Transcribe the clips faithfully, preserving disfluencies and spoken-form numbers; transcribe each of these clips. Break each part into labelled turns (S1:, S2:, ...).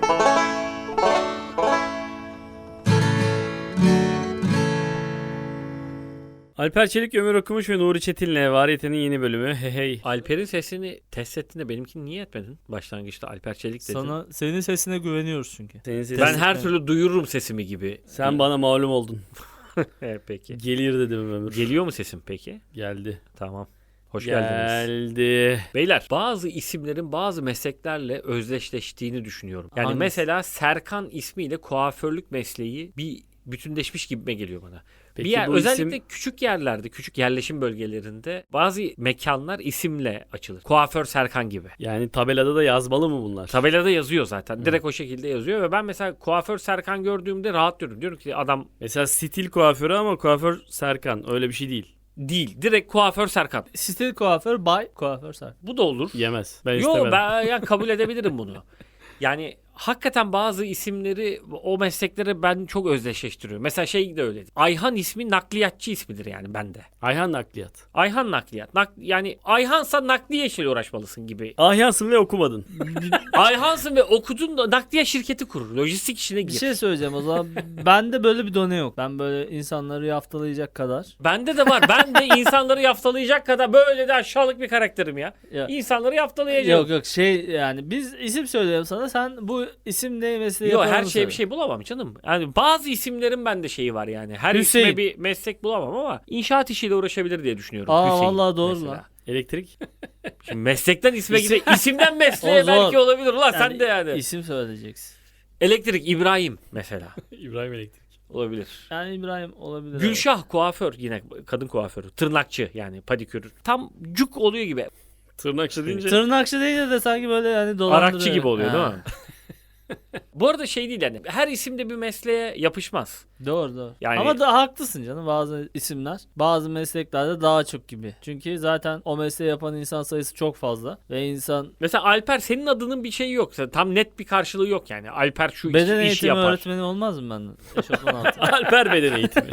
S1: Alper Çelik, Ömür Okumuş ve Nuri Çetin'le Variyete'nin yeni bölümü. Hey hey.
S2: Alper'in sesini test ettiğinde benimkini niye etmedin? Başlangıçta Alper Çelik dedin.
S3: Sana senin sesine güveniyoruz çünkü.
S1: Senin sesin...
S2: Ben her türlü duyururum sesimi gibi.
S1: Sen bana malum oldun.
S2: Evet, peki.
S1: Gelir dedim Ömür.
S2: Geliyor mu sesim peki?
S1: Geldi.
S2: Tamam. Hoş geldiniz.
S1: Geldi.
S2: Beyler, bazı isimlerin bazı mesleklerle özdeşleştiğini düşünüyorum. Yani
S3: Hangisi?
S2: mesela Serkan ismiyle kuaförlük mesleği bir bütünleşmiş gibime geliyor bana.
S1: Peki
S2: bir yer,
S1: bu
S2: özellikle
S1: isim...
S2: küçük yerlerde, küçük yerleşim bölgelerinde bazı mekanlar isimle açılır. Kuaför Serkan gibi.
S1: Yani tabelada da yazmalı mı bunlar?
S2: Tabelada yazıyor zaten. Direkt o şekilde yazıyor ve ben mesela kuaför Serkan gördüğümde rahat diyorum. Diyorum ki adam
S1: Mesela stil kuaförü ama kuaför Serkan. Öyle bir şey değil.
S2: değil. Direkt kuaför Serkan.
S3: Stil kuaför, bay kuaför Serkan.
S2: Bu da olur.
S1: Yemez. Ben
S2: Yo,
S1: istemedim.
S2: ben yani kabul edebilirim bunu. Yani hakikaten bazı isimleri, o mesleklere ben çok özdeşleştiriyorum. Mesela şey de öyle. Ayhan ismi nakliyatçı ismidir yani bende.
S1: Ayhan nakliyat.
S2: Ayhan nakliyat. Nak, yani Ayhansa nakliye işiyle uğraşmalısın gibi.
S1: Ahyansın ve okumadın.
S2: Ayhansın ve okudun da nakliye şirketi kurur. Lojistik işine
S3: Bir
S2: gir.
S3: şey söyleyeceğim o zaman. Bende böyle bir done yok. Ben böyle insanları yaftalayacak kadar.
S2: Bende de var. Ben de insanları yaftalayacak kadar böyle de aşağılık bir karakterim ya.
S3: Ya,
S2: İnsanları yaftalayacağım.
S3: yok yok şey yani biz isim söylüyorum sana, sen bu isim ne mesleği
S2: Yok,
S3: yapan
S2: her
S3: onu
S2: şeye
S3: söyle.
S2: bir şey bulamam canım. Yani bazı isimlerin bende şeyi var yani. Her
S3: Hüseyin.
S2: isme bir meslek bulamam ama inşaat işiyle uğraşabilir diye düşünüyorum.
S3: Aa,
S2: Hüseyin
S3: vallahi doğru
S2: mesela.
S3: lan.
S1: Elektrik.
S2: Şimdi meslekten isme gide isimden mesleğe
S3: O zor.
S2: belki olabilir. Ulan sen
S3: Yani
S2: de yani.
S3: İsim söyleyeceksin.
S2: Elektrik İbrahim mesela.
S1: İbrahim Elektrik.
S2: Olabilir.
S3: Yani İbrahim olabilir.
S2: Gülşah kuaför, yine kadın kuaförü. Tırnakçı yani padikür. Tam cuk oluyor gibi.
S1: Tırnakçı deyince.
S3: Tırnakçı değil de sanki böyle yani dolandırıyor.
S2: Arakçı gibi oluyor
S3: Ha.
S2: değil mi? Bu arada şey değil yani. Her isim de bir mesleğe yapışmaz.
S3: Doğru doğru.
S2: Yani-
S3: Ama da haklısın canım, bazı isimler bazı mesleklerde daha çok gibi. Çünkü zaten o mesleği yapan insan sayısı çok fazla ve insan
S2: Mesela Alper, senin adının bir şeyi yok. Tam net bir karşılığı yok yani. Alper şu iş,
S3: beden
S2: işi
S3: eğitimi
S2: yapar.
S3: öğretmeni olmaz mı benden? Eşofman altı.
S1: Alper beden eğitimi.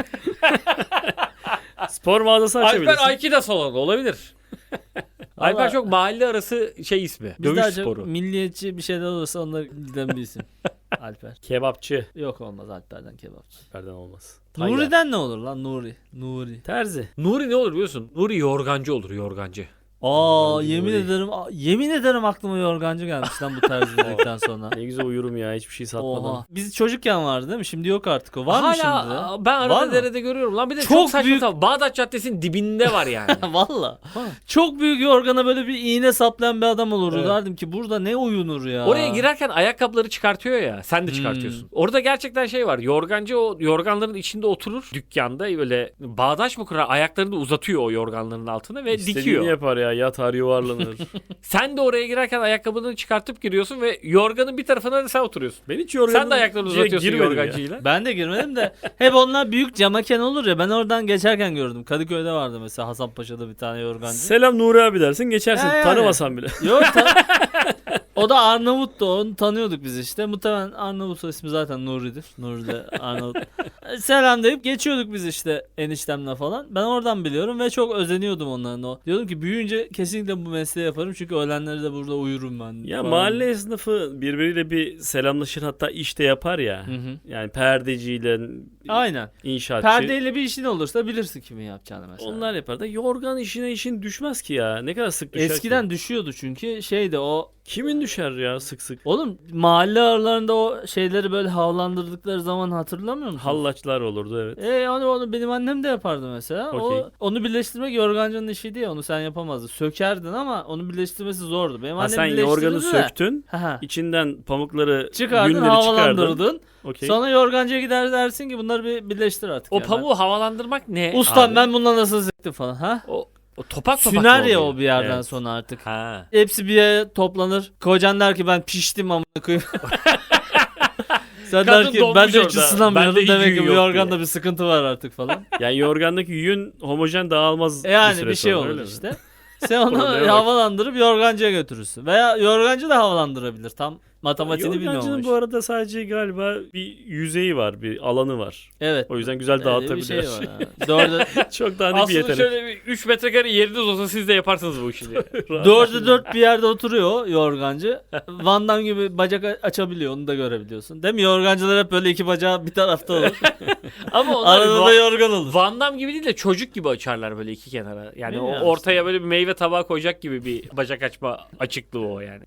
S1: Spor mağazası açabilirsin.
S2: Alper Aikido salonu olabilir. Alper
S3: Vallahi-
S2: çok mahalle arası şey ismi.
S3: Biz
S2: Dövüş
S3: daha çok
S2: sporu.
S3: milliyetçi bir şeyler olursa onunla giden bir isim. Alper.
S1: Kebapçı.
S3: Yok, olmaz Alper'den kebapçı.
S1: Alper'den olmaz. Tayyar.
S3: Nuri'den ne olur lan? Nuri. Nuri.
S1: Terzi.
S2: Nuri ne olur biliyorsun? Nuri yorgancı olur, yorgancı.
S3: Aa,
S1: Nuri.
S3: yemin ederim yemin ederim aklıma yorgancı gelmiş lan bu tarz dedikten sonra.
S1: Ne güzel uyurum ya, hiçbir şey satmadan.
S3: Oha. Biz çocukken vardı değil mi? Şimdi yok artık o. Var mı
S2: Hala
S3: şimdi?
S2: ben
S3: Var
S2: arada
S3: mı?
S2: derede görüyorum. Lan bir de çok,
S3: Çok
S2: saçma
S3: büyük-
S2: sapan. Bağdat Caddesi'nin dibinde var yani.
S3: Valla. Çok büyük yorgana böyle bir iğne saplayan bir adam olurdu.
S1: Evet.
S3: Derdim ki burada ne uyunur ya.
S2: Oraya girerken ayakkabıları çıkartıyor ya. Sen de çıkartıyorsun.
S3: Hmm.
S2: Orada gerçekten şey var. Yorgancı o yorganların içinde oturur. Dükkanda böyle bağdaş mı kurar? Ayaklarını da uzatıyor o yorganların altına ve
S1: İstediğini
S2: dikiyor.
S1: yapar ya. Yatar, yuvarlanır.
S2: Sen de oraya girerken ayakkabını çıkartıp giriyorsun ve yorganın bir tarafına da sen oturuyorsun.
S1: Ben hiç yorganım.
S2: Sen de ayaklarını uzatıyorsun yorgancıyla.
S3: Ben de girmedim de hep onlar büyük camaken olur ya, ben oradan geçerken gördüm. Kadıköy'de vardı mesela, Hasanpaşa'da bir tane yorgancı.
S1: Selam Nuri abi dersin, geçersin.
S3: Ya yani.
S1: Tanımasan bile.
S3: Yok ta- o da Arnavut'tu, onu tanıyorduk biz işte. Muhtemelen Arnavut ismi zaten Nuri'dir. Nuri de Arnavut. Selam deyip geçiyorduk biz işte eniştemle falan. Ben oradan biliyorum ve çok özeniyordum onların o. Diyordum ki büyüyünce kesinlikle bu mesleği yaparım çünkü öğlenleri de burada uyurum ben.
S1: Ya
S3: falan.
S1: mahalle esnafı birbiriyle bir selamlaşır, hatta işte yapar ya.
S3: Hı hı.
S1: Yani perdeciyle
S3: Aynen.
S1: inşaatçı.
S3: Perdeyle bir işin olursa bilirsin kimin yapacağını mesela.
S1: Onlar yapar da yorgan işine işin düşmez ki ya. Ne kadar sık düşer
S3: Eskiden
S1: ki?
S3: düşüyordu çünkü şeyde o.
S1: Kimin düşer ya sık sık?
S3: Oğlum mahalle aralarında o şeyleri böyle havalandırdıkları zaman hatırlamıyor musun?
S1: Hallaçlar olurdu, evet.
S3: E onu, onu benim annem de yapardı mesela.
S1: Okey.
S3: O onu birleştirmek yorgancının işiydi ya, onu sen yapamazdın. Sökerdin ama onu birleştirmesi zordu. Benim
S1: Ha,
S3: annem
S1: sen yorganı
S3: birleştirirdi de.
S1: söktün.
S3: Ha, ha.
S1: İçinden pamukları,
S3: Çıkardın,
S1: yünleri çıkardın.
S3: havalandırdın.
S1: Okey.
S3: Sonra yorgancıya gider dersin ki bunları bir birleştir artık.
S2: O
S3: yani.
S2: pamuğu havalandırmak ne?
S3: Ustam
S2: abi?
S3: ben bundan nasıl zıktım falan. Ha?
S2: O, o topak topak
S3: Süner
S2: mı
S3: ya
S2: oluyor?
S3: o bir yerden
S1: Evet.
S3: sonra artık.
S2: Ha.
S3: Hepsi bir yere toplanır. Kocan der ki ben piştim amına koyayım. Sen
S2: Kadın
S3: der ki
S2: donmuş
S3: ben de hiç
S2: orada.
S3: ısınamıyorum,
S2: Bende hiç
S3: demek
S2: yün
S3: ki bu
S2: yok
S3: yorganda
S2: diye.
S3: bir sıkıntı var artık falan.
S1: Yani yorgandaki yün homojen dağılmaz.
S3: E yani
S1: süre
S3: bir şey
S1: sonra,
S3: olur
S1: öyle mi?
S3: işte. Sen onu
S1: Probleme bak.
S3: havalandırıp yorgancıya götürürsün. Veya yorgancı da havalandırabilir. Tam Matematiğini
S1: Yorgancının
S3: bilmiyormuş.
S1: bu arada sadece galiba bir yüzeyi var, bir alanı var.
S3: Evet.
S1: O yüzden güzel
S3: Öyle bir
S1: dağıtabiliyor.
S3: şey var. ha. Dörde,
S1: Çok daha bir
S2: Aslında
S1: yetenek.
S2: şöyle bir üç metrekare yeriniz olsa siz de yaparsınız bu işi diye.
S3: dörde dört bir yerde oturuyor yorgancı. Van Damme gibi bacak a- açabiliyor. Onu da görebiliyorsun. Değil mi? Yorgancılar hep böyle iki bacağı bir tarafta olur.
S2: Ama onlar
S3: Arada da
S2: Va-
S3: yorgan olur.
S2: Van Damme gibi değil de çocuk gibi açarlar böyle iki kenara. Yani o
S3: Bilmiyorum
S2: ortaya
S3: işte.
S2: böyle bir meyve tabağı koyacak gibi bir bacak açma açıklığı o yani.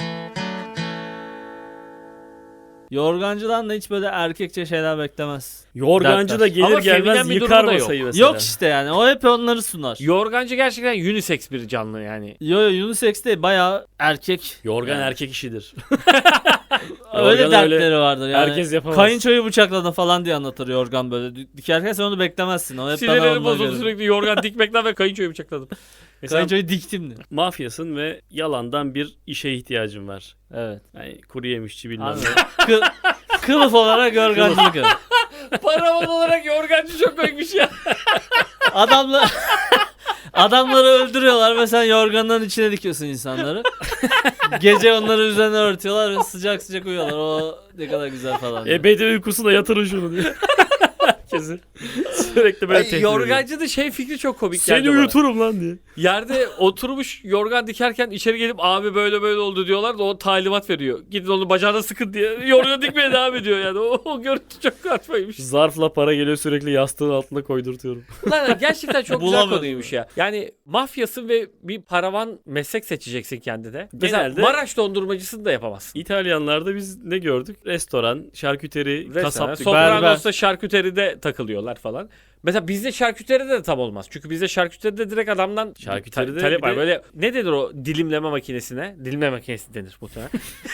S3: Yorgancıdan da hiç böyle erkekçe şeyler beklemez.
S1: Yorgancı da
S3: Dertler.
S1: gelir
S2: Ama
S1: gelmez
S2: feminen bir
S1: yıkar
S2: durumu da yok.
S1: masayı mesela.
S3: Yok işte yani. O hep onları sunar.
S2: Yorgancı gerçekten unisex bir canlı yani.
S3: Yo yo unisex değil. Bayağı erkek.
S1: Yorgan
S3: Yani.
S1: erkek işidir.
S3: Öyle
S1: Yorgan
S3: dertleri
S1: öyle
S3: vardır yani.
S1: herkes yapamaz.
S3: Kayınçoyu bıçakladın falan diye anlatır yorgan böyle. Dü- Dikerken sen onu beklemezsin. O hep bana
S2: Sinirleri
S3: onunla
S2: bozuldu
S3: gelir.
S2: sürekli yorgan dikmekten ve kayınçoyu bıçakladım.
S1: Mesela
S3: Kayınçoyu diktim diyor.
S1: mafyasın ve yalandan bir işe ihtiyacın var.
S3: Evet.
S1: Yani kuru yemişçi bilmem
S3: Anladım.
S1: ne.
S3: Kı- kılıf olarak yorgancılık yap.
S2: Paravan olarak yorgancı çok koymuş ya.
S3: Adamla adamları öldürüyorlar ve sen yorganların içine dikiyorsun insanları. Gece onları üzerine örtüyorlar ve sıcak sıcak uyuyorlar. O ne kadar güzel falan. diyor.
S1: E bedel uykusuna yatırın şunu diye. Herkesi sürekli böyle
S2: Ay,
S1: tehdit ediyor.
S2: yorgancı da şey fikri çok komik
S1: Seni
S2: geldi bana.
S1: uyuturum lan diye.
S2: Yerde oturmuş yorgan dikerken içeri gelip abi böyle böyle oldu diyorlar da o talimat veriyor. Gidin onu bacağına sıkın diye. Yorgan dikmeye devam ediyor yani. O, o görüntü çok kaçmaymış.
S1: Zarfla para geliyor sürekli yastığın altına koydurtuyorum.
S2: Ulan gerçekten çok güzel
S3: Bulamıyorum.
S2: konuymuş ya. Yani mafyasın ve bir paravan meslek seçeceksin kendine. Mesela
S1: Genelde-
S2: Maraş dondurmacısını da yapamazsın.
S1: İtalyanlarda biz ne gördük? Restoran, şarküteri,
S2: Restoran,
S1: kasaplık.
S2: Sopranos'ta şarküteride takılıyorlar falan. Mesela bizde şarküteride de tam olmaz. Çünkü bizde şarküteride direkt adamdan
S1: Şarküteride
S2: ta- talep
S1: bir
S2: var.
S1: de-
S2: Böyle ne denir o dilimleme makinesine? Dilimleme makinesi denir muhtemelen.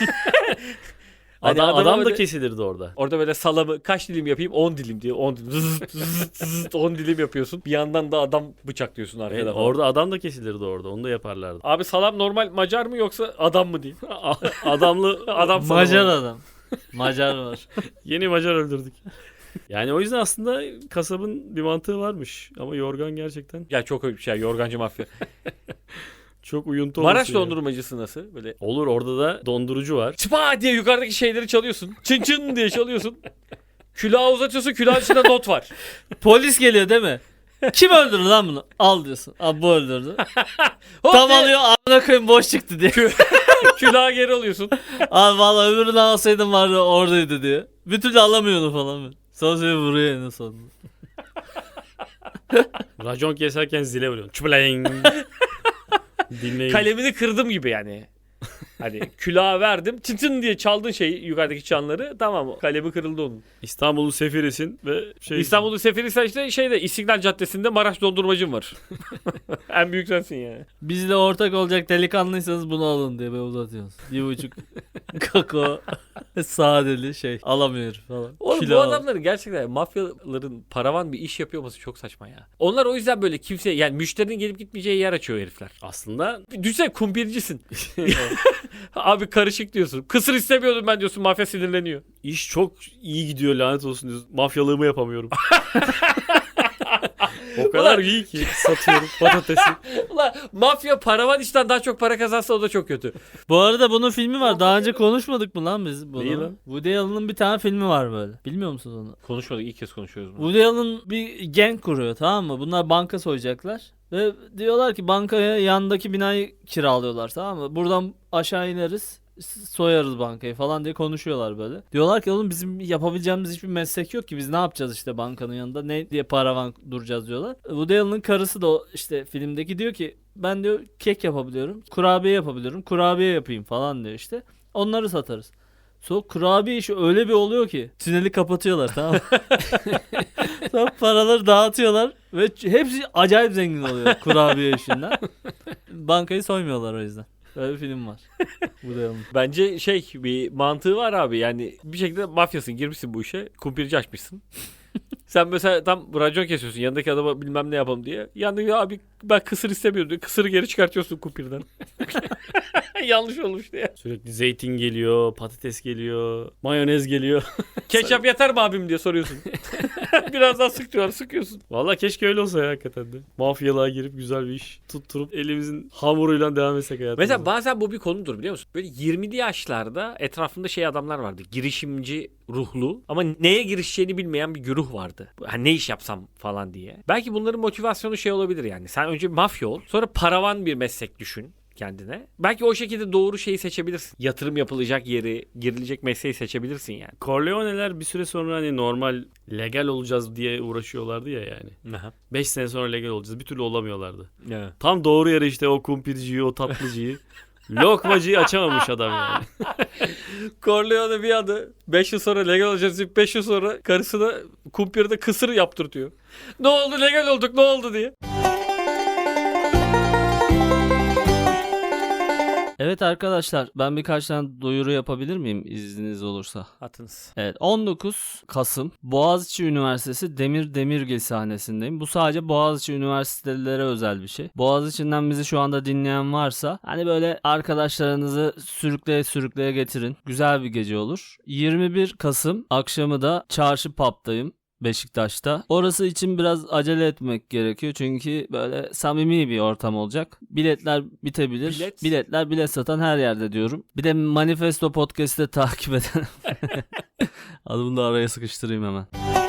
S2: Hani
S1: Adam,
S2: adama
S1: adam da
S2: böyle-
S1: kesilirdi orada.
S2: Orada böyle salamı kaç dilim yapayım? on dilim diyor. on dilim. Zızt, zızt, zızt, on dilim yapıyorsun. Bir yandan da adam bıçaklıyorsun arkada.
S1: Evet,
S2: falan.
S1: orada adam da kesilirdi orada. Onu da yaparlardı.
S2: Abi salam normal Macar mı yoksa adam mı diyeyim?
S1: Adamlı
S2: Adam salamı.
S3: Macar adam. Macar var.
S1: yeni Macar öldürdük. Yani o yüzden aslında kasabın bir mantığı varmış. Ama yorgan gerçekten
S2: Ya çok öyle bir şey. Yorgancı mafya.
S1: çok uyuntu
S2: Maraş
S1: olması ya.
S2: dondurmacısı nasıl? Böyle
S1: Olur, orada da dondurucu var.
S2: çıpa diye yukarıdaki şeyleri çalıyorsun. Çın çın diye çalıyorsun. Külahı uzatıyorsun. Külahın içinde not var.
S3: Polis geliyor değil mi? Kim öldürdü lan bunu? Al diyorsun. Abi bu öldürdü.
S2: Hop
S3: Tam
S2: diye
S3: alıyor amına koyayım boş çıktı diye.
S2: külahı geri alıyorsun.
S3: Abi valla öbürünü alsaydım vardı oradaydı diye. Bir türlü alamıyordu falan. Sonra seni vuruyor en sonunda.
S1: Racon keserken zile vuruyorsun. Çuplayın. Dinleyin.
S2: Kalemini kırdım gibi yani. Hani külahı verdim. Çın çın diye çaldın şeyi yukarıdaki çanları. Tamam kalemi kırıldı onun.
S1: İstanbul'un sefirisin ve şey...
S2: İstanbul'un seferi işte şeyde İstiklal Caddesi'nde Maraş dondurmacım var. En büyük sensin yani.
S3: Bizle ortak olacak delikanlıysanız bunu alın diye böyle uzatıyoruz. Bir buçuk kakao sadeli şey alamıyor falan.
S2: Oğlum
S3: Kilo
S2: bu
S3: al.
S2: adamların gerçekten mafyaların paravan bir iş yapıyor olması çok saçma ya. Onlar o yüzden böyle kimse yani müşterinin gelip gitmeyeceği yer açıyor herifler.
S1: Aslında
S2: Düşünsene kumpircisin. Abi karışık diyorsun. Kısır istemiyordum ben diyorsun mafya sinirleniyor.
S1: iş çok iyi gidiyor lanet olsun diyorsun. Mafyalığımı yapamıyorum. O kadar
S2: Ulan-
S1: iyi ki satıyorum patatesi.
S2: Ulan mafya paravan işten daha çok para kazansa o da çok kötü.
S3: Bu arada bunun filmi var. Daha önce konuşmadık mı lan biz bunu?
S1: Neyi lan?
S3: Woody Allen'ın bir tane filmi var böyle. Bilmiyor musunuz onu?
S2: Konuşmadık ilk kez konuşuyoruz bunu.
S3: Woody Allen bir gang kuruyor tamam mı? Bunlar banka soyacaklar. Ve diyorlar ki bankaya yandaki binayı kiralıyorlar tamam mı? Buradan aşağı ineriz. Soyarız bankayı falan diye konuşuyorlar böyle. Diyorlar ki oğlum bizim yapabileceğimiz hiçbir meslek yok ki biz ne yapacağız işte bankanın yanında ne diye paravan duracağız diyorlar. Woody Allen'ın karısı da o işte filmdeki diyor ki ben diyor kek yapabiliyorum, kurabiye yapabiliyorum, kurabiye yapayım falan diyor işte. Onları satarız. Sonra kurabiye işi öyle bir oluyor ki tüneli kapatıyorlar tamam mı? Sonra paraları dağıtıyorlar ve hepsi acayip zengin oluyor kurabiye işinden. Bankayı soymuyorlar o yüzden. Böyle bir film var. Bu da yanlış.
S2: Bence şey bir mantığı var abi yani bir şekilde mafyasın girmişsin bu işe kumpirci açmışsın. Sen mesela tam racon kesiyorsun yanındaki adama bilmem ne yapalım diye. Yanındaki abi ben kısır istemiyorum diyor. Kısırı geri çıkartıyorsun kumpirden. Yanlış olmuş diye.
S1: Sürekli zeytin geliyor, patates geliyor, mayonez geliyor.
S2: Ketçap yeter mi abim diye soruyorsun. Biraz daha sık diyorlar, sıkıyorsun.
S1: Valla keşke öyle olsa ya hakikaten de. Mafyalığa girip güzel bir iş tutturup elimizin hamuruyla devam etsek hayatımıza.
S2: Mesela bazen bu bir konudur biliyor musun? Böyle yirmili yaşlarda etrafında şey adamlar vardı. Girişimci ruhlu ama neye girişeceğini bilmeyen bir güruh vardı. Hani ne iş yapsam falan diye. Belki bunların motivasyonu şey olabilir yani. Sen önce bir mafya ol, sonra paravan bir meslek düşün kendine. Belki o şekilde doğru şeyi seçebilirsin. Yatırım yapılacak yeri, girilecek mesleği seçebilirsin yani.
S1: Corleone'ler bir süre sonra hani normal legal olacağız diye uğraşıyorlardı ya yani.
S2: Aha.
S1: beş sene sonra legal olacağız. Bir türlü olamıyorlardı.
S2: Evet.
S1: Tam doğru yere işte o kumpirciyi, o tatlıcıyı, lokmacıyı açamamış adam yani.
S2: Corleone bir anda beş yıl sonra legal olacağız deyip beş yıl sonra karısına kumpirde kısır yaptırtıyor. Ne oldu legal olduk ne oldu diye.
S3: Evet arkadaşlar, ben birkaç tane duyuru yapabilir miyim izniniz olursa?
S2: Atınız.
S3: Evet, on dokuz Kasım Boğaziçi Üniversitesi Demir Demirgil sahnesindeyim. Bu sadece Boğaziçi Üniversitelilere özel bir şey. Boğaziçi'nden bizi şu anda dinleyen varsa hani böyle arkadaşlarınızı sürükleye sürükleye getirin. Güzel bir gece olur. yirmi bir Kasım akşamı da Çarşı Pub'dayım. Beşiktaş'ta. Orası için biraz acele etmek gerekiyor. Çünkü böyle samimi bir ortam olacak. Biletler bitebilir.
S2: Bilet.
S3: Biletler bilet satan her yerde diyorum. Bir de Manifesto Podcast'ı takip eden. Hadi bunu da araya sıkıştırayım hemen.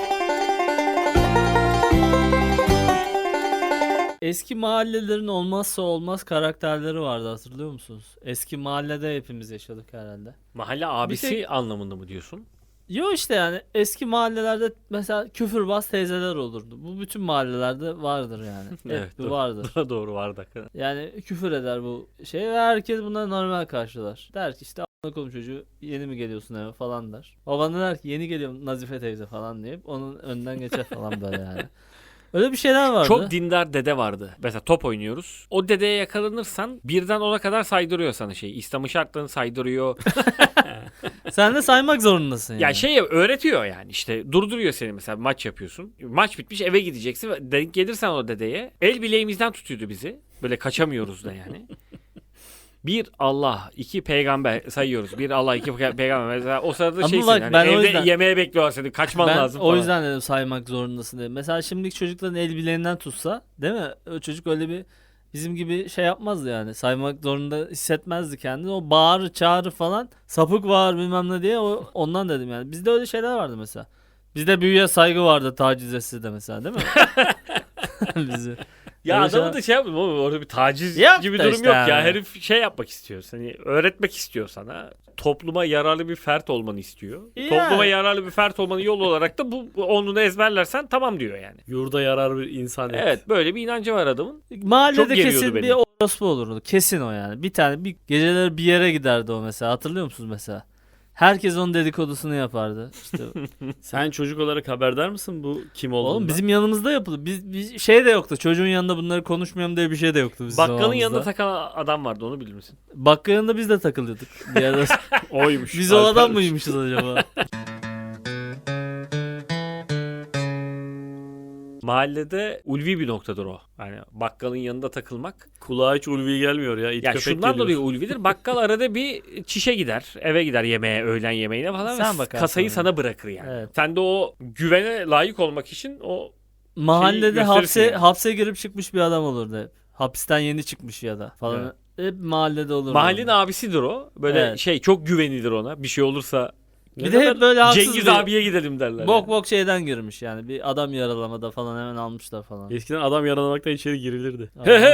S3: Eski mahallelerin olmazsa olmaz karakterleri vardı, hatırlıyor musunuz? Eski mahallede hepimiz yaşadık herhalde.
S2: Mahalle abisi
S3: tek-
S2: anlamında mı diyorsun?
S3: Yo işte yani eski mahallelerde mesela küfürbaz teyzeler olurdu. Bu bütün mahallelerde vardır yani. Hep
S2: Evet,
S3: bu
S2: doğru.
S3: vardır.
S2: Doğru vardı hakikaten.
S3: Yani küfür eder bu şey ve herkes bunları normal karşılar. Der ki işte a**ına koyayım çocuğu, yeni mi geliyorsun eve falan der. Baban da der ki yeni geliyorum Nazife teyze falan deyip onun önden geçer falan böyle yani. Öyle bir şeyler vardı.
S2: Çok dindar dede vardı. Mesela top oynuyoruz. O dedeye yakalanırsan birden ona kadar saydırıyor sana şeyi. İslam'ın şartlarını saydırıyor.
S3: Sen de saymak zorundasın yani.
S2: Ya şey öğretiyor yani işte durduruyor seni mesela maç yapıyorsun. Maç bitmiş eve gideceksin. Denk gelirsen o dedeye el bileğimizden tutuyordu bizi. Böyle kaçamıyoruz da yani. Bir Allah, iki peygamber sayıyoruz. Bir Allah, iki pe- peygamber. Mesela o sırada
S3: Ama
S2: şeysin
S3: bak,
S2: yani
S3: ben o
S2: evde
S3: yüzden-
S2: yemeğe bekliyorlar seni. Kaçman
S3: ben
S2: lazım
S3: o
S2: falan.
S3: yüzden dedim saymak zorundasın dedim. Mesela şimdiki çocukların el bileğinden tutsa, değil mi? O çocuk öyle bir bizim gibi şey yapmazdı yani. Saymak zorunda hissetmezdi kendini. O bağırı çağırı falan, sapık var bilmem ne diye, o ondan dedim yani. Bizde öyle şeyler vardı mesela. Bizde büyüye saygı vardı, taciz etse de mesela, değil mi? Bizi.
S2: Ya
S3: Öyle
S2: adamı
S3: şeyler-
S2: da şey yapmıyor oğlum, orada bir taciz
S3: Yap
S2: gibi
S3: da
S2: durum
S3: işte
S2: yok
S3: yani.
S2: ya. Herif şey yapmak istiyor. Hani öğretmek istiyor sana. Topluma yararlı bir fert olmanı istiyor.
S3: Yani.
S2: Topluma yararlı bir fert olmanın yolu olarak da bu bu onunu ezberlersen tamam diyor yani.
S1: Yurda yarar bir insan. et.
S2: Evet, böyle bir inancı var adamın. Çok
S3: Mahallede
S2: geriyordu
S3: kesin
S2: beni.
S3: bir orospu olurdu. Kesin o yani. Bir tane bir geceleri bir yere giderdi o mesela. Hatırlıyor musunuz mesela? Herkes onun dedikodusunu yapardı. İşte
S1: Sen çocuk olarak haberdar mısın bu kim olduğundan?
S3: oğlum bizim yanımızda yapıldı. Biz, biz şey de yoktu. Çocuğun yanında bunları konuşmayalım diye bir şey de yoktu bizim
S2: Bakkalın
S3: zamanımızda.
S2: yanında takan adam vardı, onu bilir misin?
S3: Bakkalın yanında biz de takılıyorduk. Bir ara
S1: oymuş.
S3: biz o adam
S1: Alper'miş.
S3: mıymışız acaba?
S2: Mahallede ulvi bir noktadır o. Yani bakkalın yanında takılmak.
S1: Kulağa hiç ulvi gelmiyor ya. İt
S2: Ya
S1: köpek
S2: şundan
S1: geliyor.
S2: dolayı ulvidir. Bakkal arada bir çişe gider. Eve gider yemeğe, öğlen yemeğine falan.
S3: Sen
S2: ve
S3: bakarsın
S2: kasayı
S3: ona.
S2: sana bırakır yani.
S3: Evet.
S2: Sen de o güvene layık olmak için o
S3: Mahallede
S2: gösterirsin
S3: hapse
S2: yani.
S3: hapse girip çıkmış bir adam olurdu hep. Hapisten yeni çıkmış ya da falan. Hep mahallede olurdu.
S2: mahallenin
S3: onlar.
S2: abisidir o. Böyle
S3: Evet.
S2: şey çok güvenilir ona. Bir şey olursa
S1: Ne
S3: Bir de hep
S1: kadar-
S3: böyle haksız
S2: Cengiz
S3: bir-
S2: abiye gidelim derler.
S3: Bok
S2: yani.
S3: bok şeyden girmiş yani. Bir adam yaralamada falan hemen almışlar falan.
S1: Eskiden adam yaralamaktan içeri girilirdi.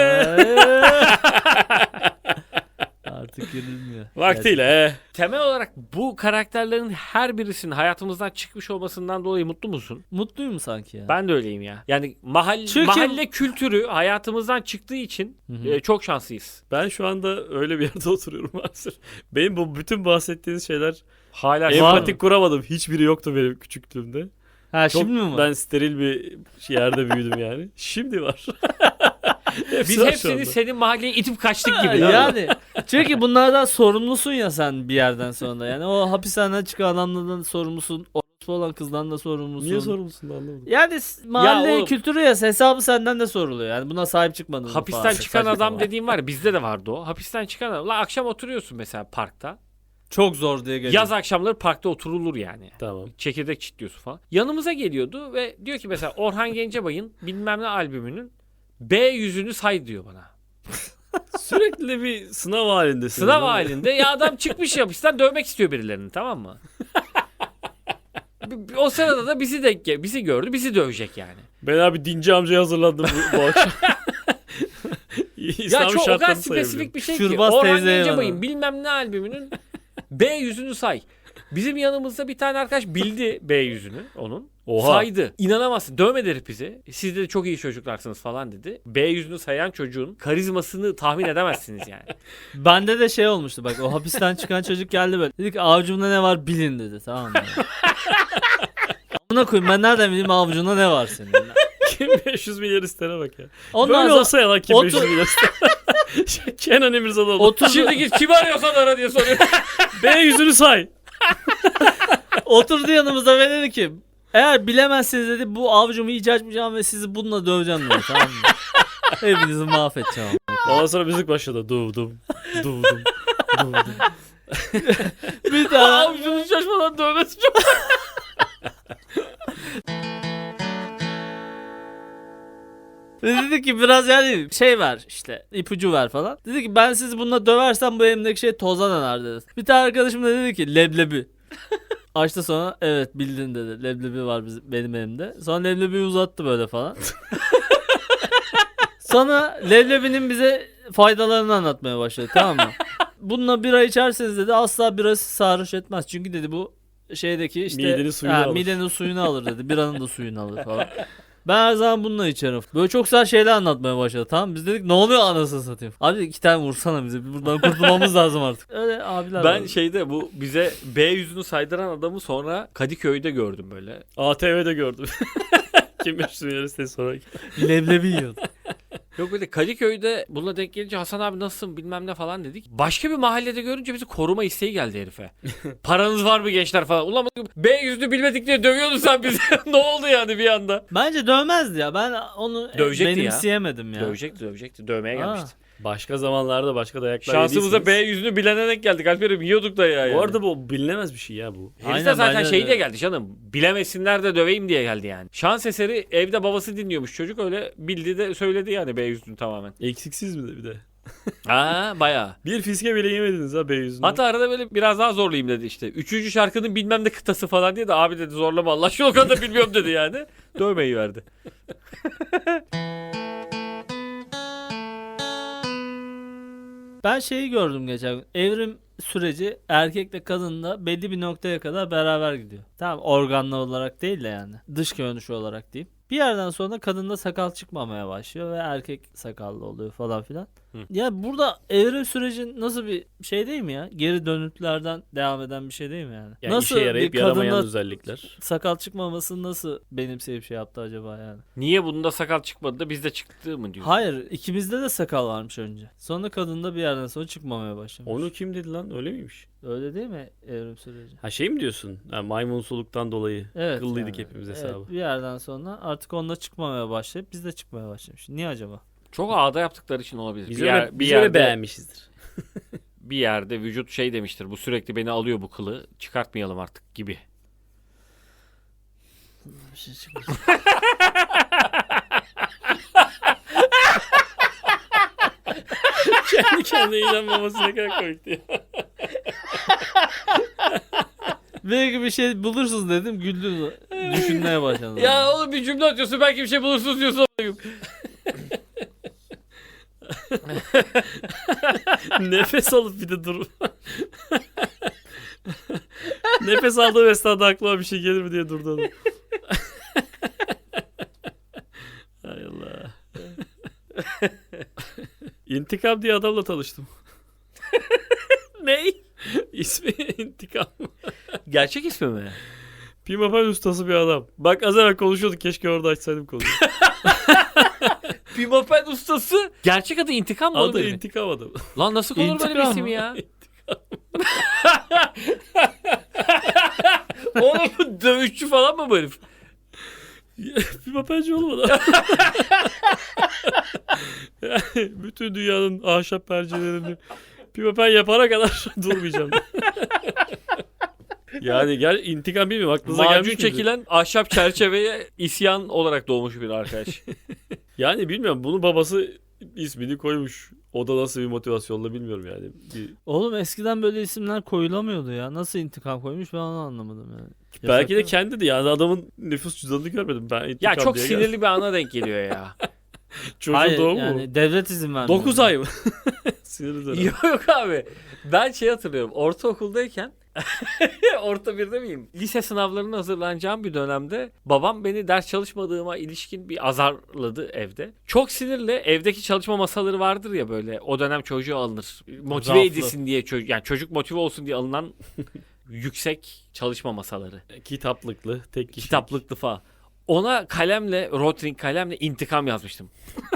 S3: Artık girilmiyor.
S1: Vaktiyle he.
S2: Temel olarak bu karakterlerin her birisinin hayatımızdan çıkmış olmasından dolayı mutlu musun?
S3: Mutluyum sanki ya.
S2: Ben de öyleyim ya. Yani mahalle,
S3: Çünkü-
S2: mahalle kültürü hayatımızdan çıktığı için
S3: Hı hı.
S2: e, çok şanslıyız.
S1: Ben şu anda öyle bir yerde oturuyorum maalesef. Benim bu bütün bahsettiğiniz şeyler
S2: Hala
S1: empatik kuramadım. Hiçbiri yoktu benim küçüklüğümde.
S3: Ha
S1: Çok,
S3: şimdi mi var?
S1: ben steril bir yerde büyüdüm yani. Şimdi var. Hepsi
S2: Biz
S1: var şu
S2: hepsini
S1: anda.
S2: senin mahalleye itip kaçtık gibi.
S3: yani çünkü bunlardan sorumlusun ya sen bir yerden sonra. Yani o hapishaneden çıkan adamlardan sorumlusun. Orospu olan kızdan da sorumlusun.
S1: Niye sorumlusun anlamadım.
S3: Yani s- mahalle
S2: oğlum-
S3: kültürü ya, hesabı senden de soruluyor. Yani buna sahip çıkmadın mı
S2: Hapisten
S3: falan.
S2: çıkan
S3: Saçma
S2: adam
S3: sapan.
S2: dediğim var ya, bizde de vardı o. Hapisten çıkan adam. La akşam oturuyorsun mesela parkta.
S3: Çok zor diye geliyor.
S2: Yaz akşamları parkta oturulur yani.
S1: Tamam.
S2: Çekirdek çitliyorsun falan. Yanımıza geliyordu ve diyor ki mesela Orhan Gencebay'ın bilmem ne albümünün B yüzünü say diyor bana.
S1: Sürekli bir sınav halindesin.
S2: Sınav
S1: değil mi?
S2: halinde ya adam çıkmış yapıştan dövmek istiyor birilerini, tamam mı? O sırada da bizi de bizi gördü, bizi dövecek yani.
S1: Ben abi dinci amcaya hazırlandım bu, bu akşam.
S2: Ya çok o kadar spesifik bir şey ki.
S3: Şurbaz
S2: Orhan
S3: teyzeye
S2: Gencebay'ın
S3: bana.
S2: bilmem ne albümünün B yüzünü say. Bizim yanımızda bir tane arkadaş bildi B yüzünü onun.
S1: Oha.
S2: Saydı. İnanamazsın. Dövmedi herif bizi. Siz de çok iyi çocuklarsınız falan dedi. B yüzünü sayan çocuğun karizmasını tahmin edemezsiniz yani.
S3: Bende de şey olmuştu bak, o hapisten çıkan çocuk geldi böyle. Dedi ki avucumda ne var bilin dedi, tamam mı? Buna koyayım, ben nereden bileyim avucunda ne var senin?
S1: Kim beş yüz milyar istene bak ya.
S3: Ondan
S1: Böyle
S3: sonra
S1: olsa ya lan kim
S3: otur-
S1: beş yüz milyar istene. Kenan İmirzalıoğlu.
S3: oturdu,
S2: Şimdi git kimi arıyorsan ara diye soruyor.
S1: B yüzünü say.
S3: oturdu yanımıza ve dedi ki eğer bilemezseniz dedi bu avucumu iyice açmayacağım ve sizi bununla döveceğim dedi, tamam mı? Hepinizi mahvedeceğim.
S1: Ondan sonra müzik başladı. Duvdum. Duvdum. Duvdum.
S3: Bir daha
S2: Avucunu şaşmadan dövmesi çok.
S3: ve dedi ki biraz yani şey ver işte, ipucu ver falan. Dedi ki ben sizi bununla döversem bu elimdeki şey toza döner dedi. Bir tane arkadaşım da dedi ki leblebi. Açtı sonra evet bildin dedi. Leblebi var bizim, benim elimde. Sonra leblebiyi uzattı böyle falan. Sonra leblebinin bize faydalarını anlatmaya başladı, tamam mı? Bununla bira içerseniz dedi asla birası sarhoş etmez. Çünkü dedi bu şeydeki işte
S1: Midenin suyunu alır.
S3: midenin suyunu alır dedi. Biranın da suyunu alır falan. Ben her zaman bununla içerim. Böyle çok güzel şeyler anlatmaya başladı, tamam mı? Biz dedik ne oluyor anasını satayım. Abi iki tane vursana bize. Buradan kurtulmamız lazım artık. Öyle abiler
S2: Ben
S3: var.
S2: şeyde bu bize B yüzünü saydıran adamı sonra Kadıköy'de gördüm böyle.
S1: A T V'de gördüm. Kim beş yüz milyar istedi sonra.
S3: leblebi yiyordu.
S2: Yok böyle Kadıköy'de bununla denk gelince Hasan abi nasılsın bilmem ne falan dedik. Başka bir mahallede görünce bizi koruma isteği geldi herife. Paranız var mı gençler falan. Ulan B yüzünü bilmedik diye dövüyordun sen bizi. Ne oldu yani bir anda?
S3: Bence dövmezdi ya. Ben onu
S2: Dövecekti ya.
S3: benimseyemedim ya.
S2: Dövecekti dövecekti. Dövmeye
S3: Ha.
S2: gelmişti.
S1: Başka zamanlarda başka dayaklar
S2: Şansımıza B
S1: yediyseniz-
S2: yüzünü bilene denk geldik. Alper'im yiyorduk da ya.
S1: Bu
S2: yani.
S1: arada bu bilinemez bir şey ya bu.
S2: Herif de
S3: Aynen,
S2: zaten
S3: bence
S2: şey
S3: de.
S2: diye geldi canım. Bilemesinler de döveyim diye geldi yani. Şans eseri evde babası dinliyormuş çocuk, öyle bildi de söyledi yani B yüzünü tamamen.
S1: Eksiksiz mi de bir de?
S2: Ha bayağı.
S1: Bir fiske bile yemediniz ha B yüzünden.
S2: Hatta arada böyle biraz daha zorlayayım dedi işte. Üçüncü şarkının bilmem ne kıtası falan diye de abi dedi zorlama Allah aşkına o kadar da bilmiyorum dedi yani. Dövmeyi verdi.
S3: Ben şeyi gördüm geçen gün. Evrim süreci erkekle kadınla belli bir noktaya kadar beraber gidiyor. Tamam, organlı olarak değil de yani. Dış görünüşü olarak diyeyim. Bir yerden sonra kadında sakal çıkmamaya başlıyor ve erkek sakallı oluyor falan filan.
S2: Hı.
S3: Ya burada evrim süreci nasıl bir şey değil mi ya? Geri dönütlerden devam eden bir şey değil mi yani?
S1: yani
S3: nasıl
S1: işe yarayıp
S3: bir
S1: yaramayan
S3: kadında
S1: özellikler.
S3: sakal çıkmaması nasıl benimseyip şey yaptı acaba yani?
S2: Niye bunda sakal çıkmadı da bizde çıktı mı diyor.
S3: Hayır, ikimizde de sakal varmış önce. Sonra kadında bir yerden sonra çıkmamaya başlamış.
S1: Onu kim dedi lan? Öyle miymiş?
S3: Öyle değil mi evrim süreci?
S1: Ha şey mi diyorsun? Ha, maymunsuluktan dolayı.
S3: Evet.
S1: Kıllıydık
S3: yani.
S1: hepimiz
S3: Evet,
S1: hesabı.
S3: bir yerden sonra artık onunla çıkmamaya başlayıp biz de çıkmaya başlamış. Niye acaba?
S2: Çok ağda yaptıkları için olabilir.
S1: Biz
S2: bir
S1: öyle,
S2: yer, bir
S1: biz
S2: yerde,
S1: öyle beğenmişizdir.
S2: bir yerde vücut şey demiştir. Bu sürekli beni alıyor bu kılı. Çıkartmayalım artık gibi.
S3: Bir şey çıkmış.
S1: Kendi kendine inanmaması ne kadar komikti ya.
S3: Belki bir şey bulursunuz dedim, güldünüz. Düşünmeye başladınız.
S2: Ya oğlum bir cümle atıyorsun belki bir şey bulursunuz diyorsun.
S1: Nefes alıp bir de dur. Nefes aldığım esnada aklıma bir şey gelir mi diye durdu adam. Hay Allah. İntikam diye adamla tanıştım.
S2: Ney?
S1: İsmi İntikam.
S2: Gerçek ismi mi?
S1: Pimapen ustası bir adam. Bak az evvel konuşuyorduk, keşke orada açsaydım konuyu.
S2: Pimapen ustası. Gerçek adı İntikam mı? oğlum
S1: Adı
S2: herifin?
S1: İntikam adam.
S2: Lan nasıl konur böyle bir
S3: İntikam
S2: isim
S3: mı?
S2: ya? Oğlum dövüşçü falan mı bu herif?
S1: Pimapenci olmadı. Yani bütün dünyanın ahşap percelerini Pimapen yapana kadar durmayacağım. Yani gel intikam bilmiyorum aklınıza gelmiş
S2: Macun
S1: miydi?
S2: çekilen ahşap çerçeveye isyan olarak doğmuş bir arkadaş.
S1: Yani bilmiyorum bunun babası ismini koymuş. O da nasıl bir motivasyonla bilmiyorum yani. Bir,
S3: Oğlum eskiden böyle isimler koyulamıyordu ya. Nasıl intikam koymuş ben onu anlamadım yani.
S1: belki de
S3: Yasak mı?
S1: kendi de yani adamın nüfus cüzdanını görmedim. Ben
S2: Ya
S1: intikam
S2: çok
S1: diye
S2: sinirli bir ana denk geliyor ya.
S1: Çocuğun
S3: Hayır
S1: doğumu
S3: yani
S1: mu?
S3: devlet izin vermiyor.
S1: dokuz ay mı? Sinirli dönem.
S2: yok yok abi. Ben şey hatırlıyorum. Ortaokuldayken orta birde miyim? Lise sınavlarına hazırlanacağım bir dönemde babam beni ders çalışmadığıma ilişkin bir azarladı evde. Çok sinirli. Evdeki çalışma masaları vardır ya böyle. O dönem çocuğu alınır. Motive
S3: Raflı.
S2: edilsin diye çocuk yani çocuk motive olsun diye alınan yüksek çalışma masaları.
S1: Kitaplıklı, tek kişi.
S2: Kitaplıklı falan. Ona kalemle, Rotring kalemle intikam yazmıştım.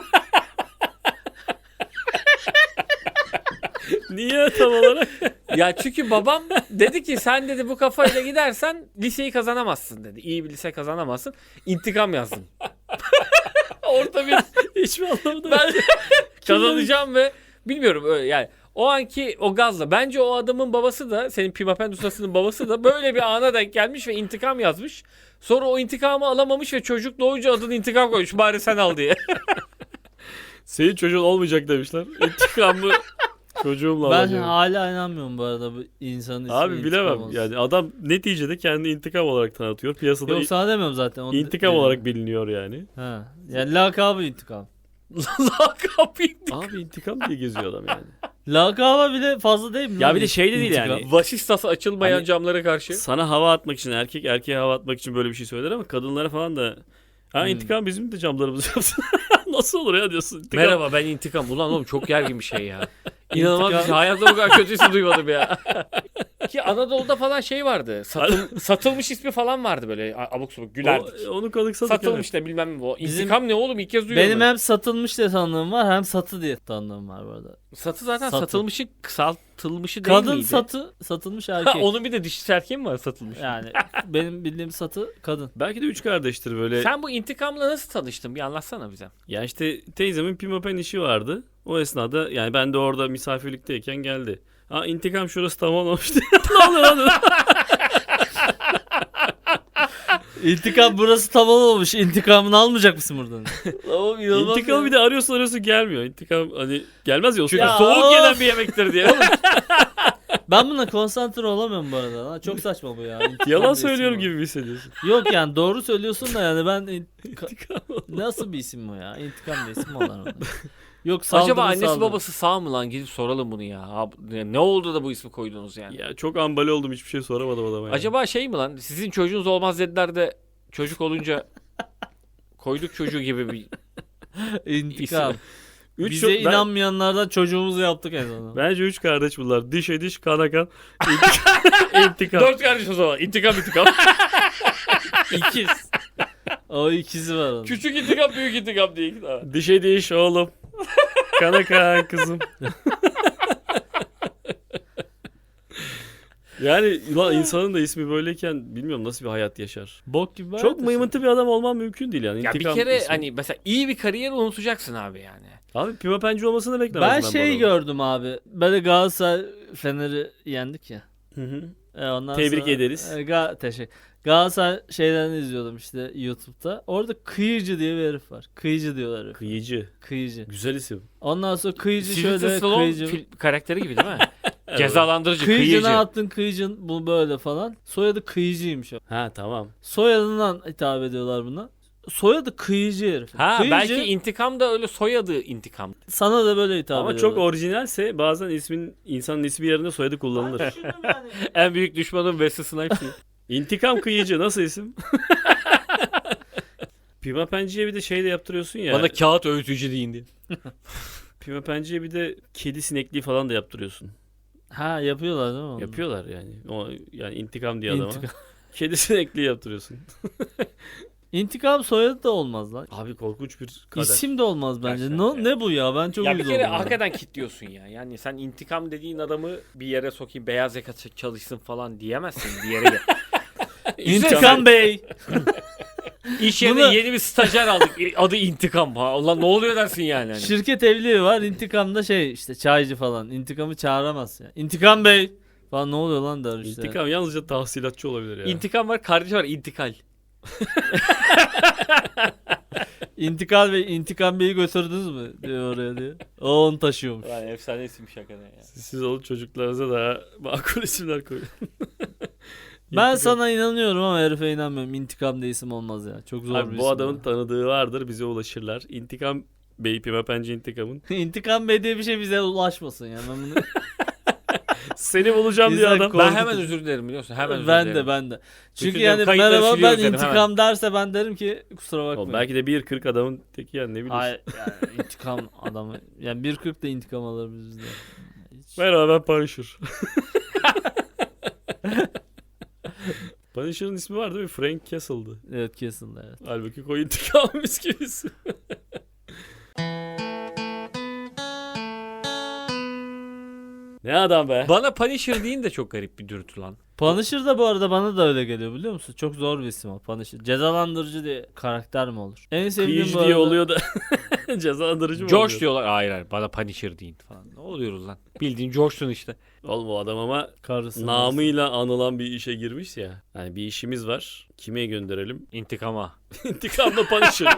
S1: Niye tam olarak?
S2: Ya çünkü babam dedi ki sen dedi bu kafayla gidersen liseyi kazanamazsın dedi. İyi bir lise kazanamazsın. İntikam yazdım. Orta bir
S1: Hiçbir anlamı
S2: ben kazanacağım ve bilmiyorum öyle yani. O anki o gazla. Bence o adamın babası da senin Pimapen ustasının babası da böyle bir ana denk gelmiş ve intikam yazmış. Sonra o intikamı alamamış ve çocuk doğunca adını intikam koymuş. Bari sen al diye.
S1: Senin çocuğun olmayacak demişler. İntikamı çocuğumla
S3: Ben
S1: alacağım.
S3: hala inanmıyorum bu arada bu insanın ismi
S1: Abi
S3: intikam
S1: bilemem.
S3: olsun.
S1: Yani adam neticede kendi intikam olarak tanıtıyor. Piyasada
S3: Yok sana demiyorum zaten. Onu
S1: intikam
S3: dedim.
S1: olarak biliniyor yani.
S3: Ha. Yani lakabı intikam.
S2: Lakap intikam.
S1: Abi intikam diye geziyor adam yani.
S3: Lakaba bile fazla değil mi?
S1: Ya
S3: lan?
S1: bir de şey de değil
S3: İntikam.
S1: yani.
S2: Vasistası açılmayan
S1: Hani-
S2: camlara karşı.
S1: Sana hava atmak için erkek erkeğe hava atmak için böyle bir şey söyler ama kadınlara falan da ha
S3: Hmm.
S1: intikam bizim de camlarımızı yapsın. Nasıl olur ya diyorsun. İntikam.
S2: Merhaba ben intikam. Ulan oğlum çok gergin bir şey ya. İnanılmaz bir
S3: İntikam.
S2: şey. Hayatımda bu kadar kötüsü duymadım ya. Ki Anadolu'da falan şey vardı. Satıl, satılmış ismi falan vardı böyle abuk sabuk gülerdik.
S1: O, onu kanıksadık
S2: Satılmış da bilmem ne bu.
S3: Bizim-
S2: İntikam ne oğlum ilk kez duyuyorum.
S3: Benim
S2: ben.
S3: hem satılmış diye tanıdığım var hem satı diye tanıdığım var bu arada.
S2: Satı zaten
S3: Satı.
S2: satılmışı kısaltılmışı değil
S3: Kadın
S2: miydi?
S3: satı, satılmış
S2: Ha,
S3: erkek.
S2: onun bir de dişi erkeği mi var satılmış?
S3: Yani benim bildiğim satı kadın.
S1: Belki de üç kardeştir böyle.
S2: Sen bu intikamla nasıl tanıştın? Bir anlatsana bize.
S1: Ya işte teyzemin pimapen işi vardı. O esnada yani ben de orada misafirlikteyken geldi. Ha intikam şurası tamamlamıştı. Ne oluyor lan?
S3: İntikam burası tamam olmuş. İntikamını almayacak mısın buradan?
S2: Oğlum
S1: İntikamı bir de arıyorsun arıyorsun gelmiyor. İntikam hani gelmez ya o
S2: Çünkü
S1: sırada.
S3: Ya
S2: soğuk
S3: of.
S2: yenen bir yemektir diye.
S3: Ben buna konsantre olamıyorum bu arada. Lan çok saçma bu ya. İntikam
S1: Yalan
S3: diye isim
S1: söylüyorum
S3: var.
S1: gibi mi hissediyorsun?
S3: Yok yani doğru söylüyorsun da yani ben intika-
S1: İntikam.
S3: nasıl bir isim bu ya? İntikam diye isim mi olur? Yok
S2: Acaba
S3: saldırı,
S2: annesi
S3: saldırı.
S2: babası sağ mı lan? Gidip soralım bunu ya. Abi, ne oldu da bu ismi koydunuz yani?
S1: Ya çok ambale oldum hiçbir şey soramadım adama yani.
S2: Acaba şey mi lan? Sizin çocuğunuz olmaz dediler de çocuk olunca koyduk çocuğu gibi bir
S3: İntikam.
S1: Üç
S3: Bize
S1: çok- ben-
S3: inanmayanlardan çocuğumuzu yaptık en sonunda.
S1: Bence üç kardeş bunlar. Dişe diş, kana kan. İntikam. İntikam.
S2: Dört kardeş o zaman. İntikam intikam.
S3: İkiz. O ikizi var onun.
S2: Küçük intikam büyük intikam diye. iki tane.
S1: Dişe diş oğlum. Kana kan kızım. Yani ulan insanın da ismi böyleyken bilmiyorum nasıl bir hayat yaşar.
S3: Bok gibi var.
S1: Çok
S3: ya
S1: mıymıntı bir adam olman mümkün değil yani.
S2: Ya bir
S1: İntikam
S2: kere
S1: ismi.
S2: hani mesela iyi bir kariyer unutacaksın abi yani.
S1: Abi pimapenci olmasını beklemezdim
S3: Ben
S1: ben bu
S3: şey
S1: adamın.
S3: gördüm abi. Böyle Galatasaray Fener'i yendik ya.
S1: Hı hı.
S3: E ondan
S1: Tebrik
S3: sonra-
S1: ederiz.
S3: E, Ga teşekkür. Galatasaray şeylerini izliyordum işte YouTube'da. Orada Kıyıcı diye bir herif var. Kıyıcı diyorlar herif.
S1: Kıyıcı.
S3: Kıyıcı.
S1: Güzel isim.
S3: Ondan sonra Kıyıcı
S2: Sylvester
S3: şöyle
S2: Stallone
S3: Kıyıcı.
S2: fil- karakteri gibi değil mi? Cezalandırıcı,
S3: Kıyıcı
S2: kıyıcı.
S3: ne yaptın Kıyıcın bu böyle falan. Soyadı Kıyıcıymış o.
S1: Ha tamam.
S3: Soyadından hitap ediyorlar buna. Soyadı Kıyıcı herif.
S2: Ha
S3: Kıyıcı,
S2: belki intikam da öyle soyadı intikam.
S3: sana da böyle hitap
S1: Ama
S3: ediyorlar.
S1: çok orijinalse bazen ismin insanın ismi yerine soyadı kullanılır.
S2: En büyük düşmanım Wesley Snipes.
S1: İntikam kıyıcı nasıl isim? Pimapenciye bir de şey de yaptırıyorsun ya.
S2: Bana kağıt öğütücü deyin diye.
S1: Pimapenciye bir de kedi sinekliği falan da yaptırıyorsun.
S3: Ha yapıyorlar değil mi? onu?
S1: Yapıyorlar yani. O yani intikam diye adama.
S3: İntikam.
S1: Kedi sinekliği yaptırıyorsun.
S3: İntikam soyadı da olmaz lan.
S1: Abi korkunç bir kader.
S3: İsim de olmaz bence.
S2: Gerçekten
S3: Ne, ne bu ya? Ben çok
S2: Ya bir
S3: uyuz
S2: kere
S3: oldum.
S2: hakikaten kitliyorsun ya. Yani sen intikam dediğin adamı bir yere sokayım beyaz yaka çalışsın falan diyemezsin bir yere. gel.
S3: İntikam Bey.
S2: İş yerine
S3: Bunu-
S2: yeni bir stajyer aldık. Adı intikam. Ha, ulan ne oluyor dersin yani. Hani.
S3: Şirket evliliği var. İntikamda şey işte çaycı falan. İntikamı çağıramaz ya. İntikam Bey falan ne oluyor lan der işte.
S1: İntikam yalnızca tahsilatçı olabilir ya.
S2: İntikam var, kardeşi var, intikal.
S3: İntikal Bey, İntikam Bey'i götürdünüz mü diyor oraya diye. O onu taşıyormuş.
S2: Lan efsane isimmiş hakikaten ya.
S1: Siz, siz olun çocuklarınıza daha makul isimler koyun.
S3: Ben
S1: İntikam-
S3: sana inanıyorum ama herife inanmıyorum. İntikam diye isim olmaz ya. Çok zor bir
S1: Abi
S3: isim.
S1: bu adamın
S3: ya.
S1: tanıdığı vardır, bize ulaşırlar. İntikam Bey Pimapenci intikamın.
S3: İntikam Bey diye bir şey bize ulaşmasın ya. Ben bunu...
S1: Seni bulacağım diye
S3: Güzel
S1: adam.
S3: konu.
S2: Ben hemen özür dilerim biliyorsun. Hemen özür
S3: ben
S2: dilerim.
S3: de ben de. Çünkü
S2: Bütün
S3: yani
S2: kayıtları
S3: merhaba ben
S2: siliyoruz dedim,
S3: intikam derse ben derim ki kusura bakmayın.
S1: Oğlum belki de bir kırk adamın teki yani ne bileyim.
S3: Hayır yani intikam adamı. Yani bir kırk da intikam alır bizde. Hiç-
S1: Merhaba ben Punisher. Punisher'ın ismi var değil mi? Frank Castle'dı.
S3: Evet kesin evet.
S1: Halbuki koy intikam mis gibi isim. Ne adam be.
S2: Bana Punisher deyin de çok garip bir dürtü lan.
S3: Punisher da bu arada bana da öyle geliyor biliyor musun? Çok zor bir isim o Punisher. Cezalandırıcı diye karakter mi olur? En sevdiğim
S1: Kıyıcı
S3: bu
S1: diye
S3: arada.
S1: oluyor da cezalandırıcı mı
S2: Josh
S1: oluyor?
S2: diyorlar. Hayır hayır bana Punisher deyin falan. Ne oluyoruz lan? Bildiğin Josh'sun işte.
S1: Oğlum o adam ama
S3: Karısı.
S1: namıyla anılan bir işe girmiş ya. Yani bir işimiz var. Kime gönderelim?
S2: İntikama.
S1: İntikamla Punisher.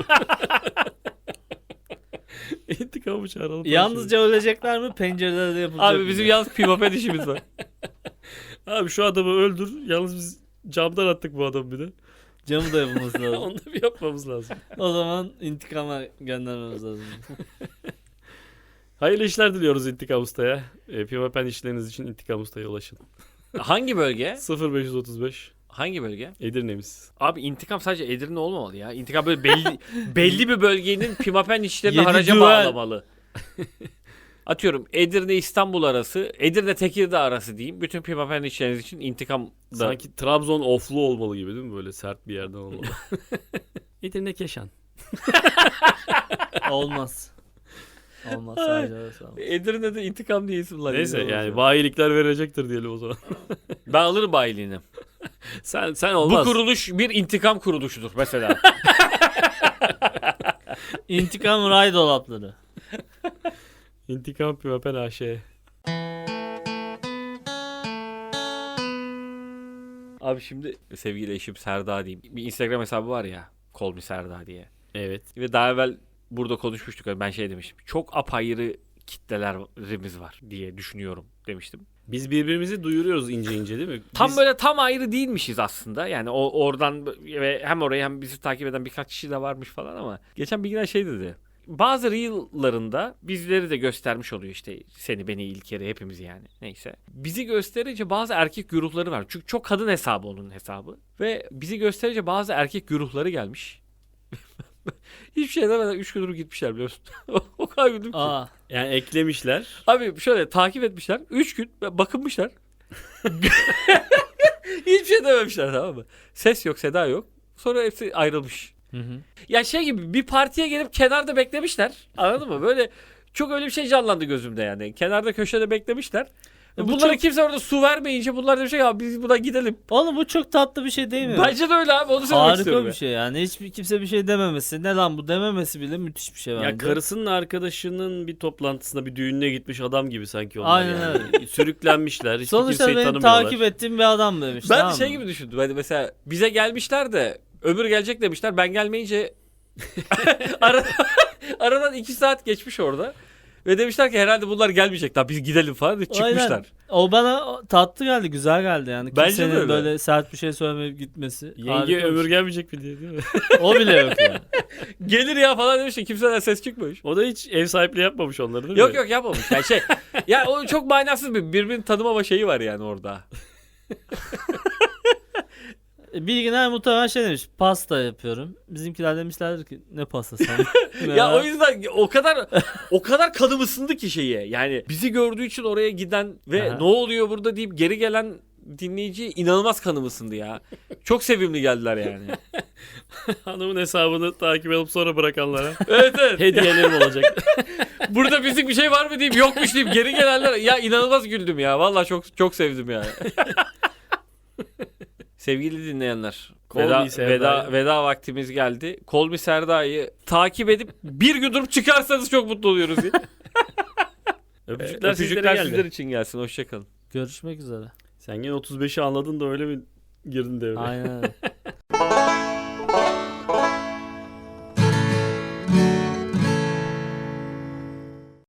S1: İntikamı çağıralım.
S3: Yalnızca ölecekler mi? Pencerelerde yapılacak
S2: Abi
S3: mı?
S2: bizim yalnız pimapen işimiz var.
S1: Abi şu adamı öldür. Yalnız biz camdan attık bu adamı bir de.
S3: Camı da yapılması lazım.
S1: Onu da bir yapmamız lazım.
S3: O zaman intikama göndermemiz lazım.
S1: Hayırlı işler diliyoruz İntikam Usta'ya. E, Pimapen işleriniz için İntikam Usta'ya ulaşın.
S2: Hangi bölge?
S1: sıfır beş otuz beş
S2: Hangi bölge?
S1: Edirne'miz.
S2: Abi intikam sadece Edirne olmamalı ya. İntikam böyle belli belli bir bölgenin pimapen işlerini
S3: Yedi
S2: haraca
S3: düvel.
S2: bağlamalı. Atıyorum Edirne İstanbul arası, Edirne Tekirdağ arası diyeyim. Bütün pimapen işleriniz için intikam da.
S1: Sanki Trabzon oflu olmalı gibi değil mi? Böyle sert bir yerden olmalı. Edirne Keşan.
S3: Olmaz. Olmaz sadece orası olmaz.
S2: Edirne'de intikam diye isim var.
S1: Neyse
S2: Edirne
S1: yani
S2: olsun.
S1: bayilikler verecektir diyelim o zaman.
S2: Ben alırım bayiliğini.
S1: sen sen
S2: Bu
S1: olmaz.
S2: kuruluş bir intikam kuruluşudur mesela.
S3: İntikam ray dolapları.
S1: İntikam Pimapen A Ş.
S2: Abi şimdi sevgili eşim Serda diyeyim. Bir Instagram hesabı var ya. Call me Serda diye.
S1: Evet.
S2: Ve daha evvel burada konuşmuştuk. Ben şey demiştim. Çok apayrı kitlelerimiz var diye düşünüyorum demiştim.
S1: Biz birbirimizi duyuruyoruz ince ince değil mi?
S2: Tam
S1: Biz-
S2: böyle tam ayrı değilmişiz aslında. Yani o oradan ve hem orayı hem bizi takip eden birkaç kişi de varmış falan ama geçen bir gün şey dedi. Bazı reel'larında bizleri de göstermiş oluyor işte seni beni İlker'i hepimizi yani neyse. Bizi gösterince bazı erkek güruhları var. Çünkü çok kadın hesabı onun hesabı. Ve bizi gösterince bazı erkek güruhları gelmiş. Hiçbir şey demeden üç gün gitmişler biliyorsun. O kadar güldüm ki.
S3: Aa.
S1: Yani eklemişler.
S2: Abi şöyle takip etmişler. üç gün bakınmışlar. Hiçbir şey dememişler tamam mı? Ses yok, seda yok. Sonra hepsi ayrılmış.
S3: Hı hı.
S2: Ya şey gibi bir partiye gelip kenarda beklemişler. Anladın mı? Böyle çok öyle bir şey canlandı gözümde yani. Kenarda köşede beklemişler.
S3: E bu
S2: Bunlara
S3: çok-
S2: kimse orada su vermeyince bunlar demiş ya biz buradan gidelim.
S3: Oğlum bu çok tatlı bir şey değil mi?
S2: Bence de öyle abi onu söylemek istiyorum.
S3: Harika bir şey yani. Hiçbir kimse bir şey dememesi. Ne lan bu dememesi bile müthiş bir şey bence.
S1: Ya karısının arkadaşının bir toplantısına bir düğününe gitmiş adam gibi sanki onlar
S3: Aynen
S1: yani. Sürüklenmişler. Hiçbir
S3: Sonuçta
S1: kimseyi
S3: benim
S1: tanımıyorlar.
S3: takip ettiğim bir adam demiş.
S2: Ben
S3: tamam
S2: de şey
S3: mı?
S2: gibi düşündüm. Hani mesela bize gelmişler de öbür gelecek demişler. Ben gelmeyince Ara, aradan iki saat geçmiş orada. Ve demişler ki herhalde bunlar gelmeyecek daha biz gidelim falan diye çıkmışlar.
S3: Aynen. O bana tatlı geldi, güzel geldi yani.
S2: Bence de
S3: Kimsenin
S2: öyle.
S3: böyle sert bir şey söylemeyip gitmesi.
S1: Yenge
S3: Harika bir
S1: ömür
S3: şey.
S1: gelmeyecek mi diye değil mi?
S3: O bile yok yani.
S2: Gelir ya falan demiş de kimseden ses çıkmış.
S1: O da hiç ev sahipliği yapmamış onları değil mi?
S2: Yok yok yapmamış. Yani şey ya o çok manasız bir birbirini tanımama şeyi var yani orada.
S3: Bilginer muhtemelen şey demiş. Pasta yapıyorum. Bizimkiler demişlerdir ki ne pastası?
S2: Ya o yüzden o kadar o kadar kanım ısındı ki şeye. Yani bizi gördüğü için oraya giden ve
S3: Aha.
S2: ne oluyor burada deyip geri gelen dinleyici inanılmaz kanım ısındı ya. Çok sevimli geldiler yani.
S1: Hanımın hesabını takip edip sonra bırakanlara
S2: Evet evet.
S1: hediyelerim olacak.
S2: Burada bizim bir şey var mı deyip yokmuş deyip geri gelenler ya inanılmaz güldüm ya. Vallahi çok çok sevdim yani. Sevgili dinleyenler,
S1: Call me
S2: veda,
S1: Serda'yı.
S2: veda, veda vaktimiz geldi. Call me Serda'yı takip edip bir gün durup çıkarsanız çok mutlu oluyoruz. diye.
S1: Öpücükler,
S2: Öpücükler
S1: sizlere geldi.
S2: sizler için gelsin. Hoşçakalın.
S3: Görüşmek üzere.
S1: Sen gene otuz beşi anladın da öyle mi girdin devreye?
S3: Aynen öyle.